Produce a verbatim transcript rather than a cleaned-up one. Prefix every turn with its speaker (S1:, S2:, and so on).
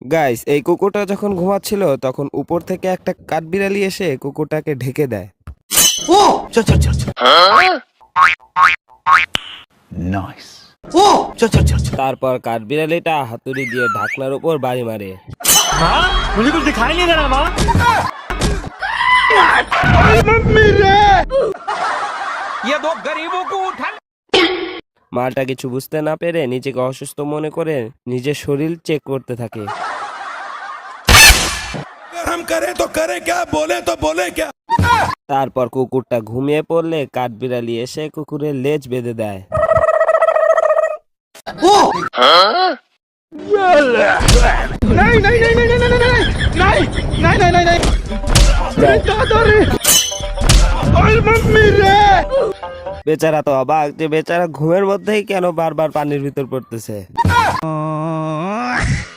S1: Guys, এই কুকুরটা যখন ঘুমাচ্ছিল তখন উপর থেকে একটা কাঠবিড়ালি এসে কুকুরটাকে ঢেকে দেয়।
S2: ও চল চল চল চল নাইস ও চল চল চল চল
S1: তারপর কাঠবিড়ালিটা হাতুড়ি দিয়ে ঢাকনার উপর বাড়ি মারে।
S3: हाँ मुझे कुछ दिखाई नहीं दे रहा माँ। ये दो गरीबों को उठा।
S1: মালটা কিছু বুঝতে না পেরে নিজেকে অসুস্থ মনে করে নিজের শরীর চেক করতে থাকে।
S4: हम करे तो करे क्या, बोले तो बोले क्या।
S1: তারপর কুকুরটা ঘুমিয়ে পড়লে কাঠবিড়ালি এসে কুকুরের লেজ বেঁধে দেয়।
S2: ও
S3: नहीं नहीं नहीं नहीं नहीं नहीं नहीं नहीं नहीं नहीं नहीं दादा रे ओए मम्मी रे।
S1: বেচারা তো অবাক যে বেচারা ঘুমের মধ্যেই কেন বারবার পানির ভিতর পড়তেছে।